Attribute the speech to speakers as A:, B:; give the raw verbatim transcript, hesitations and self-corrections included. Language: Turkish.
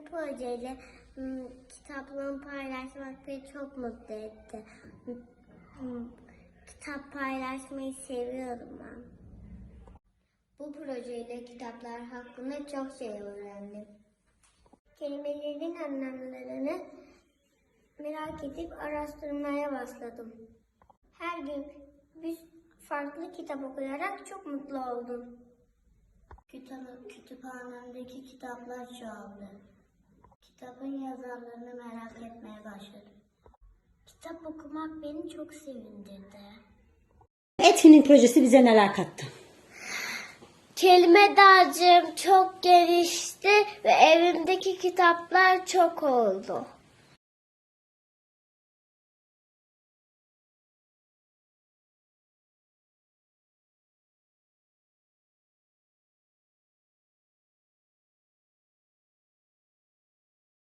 A: bu projeyle m, kitaplığımı paylaşmak beni çok mutlu etti. M, m, Kitap paylaşmayı seviyorum ben. Bu projeyle kitaplar hakkında çok şey öğrendim. Kelimelerin anlamlarını merak edip araştırmaya başladım. Her gün bir farklı kitap okuyarak çok mutlu oldum. Kütüphane, kütüphanemdeki kitaplar çoğaldı. Kitabın yazarlarını merak etmeye başladım. Kitap okumak beni çok sevindirdi.
B: Etkinlik projesi bize neler kattı?
A: Kelime dağarcığım çok gelişti ve evimdeki kitaplar çok oldu.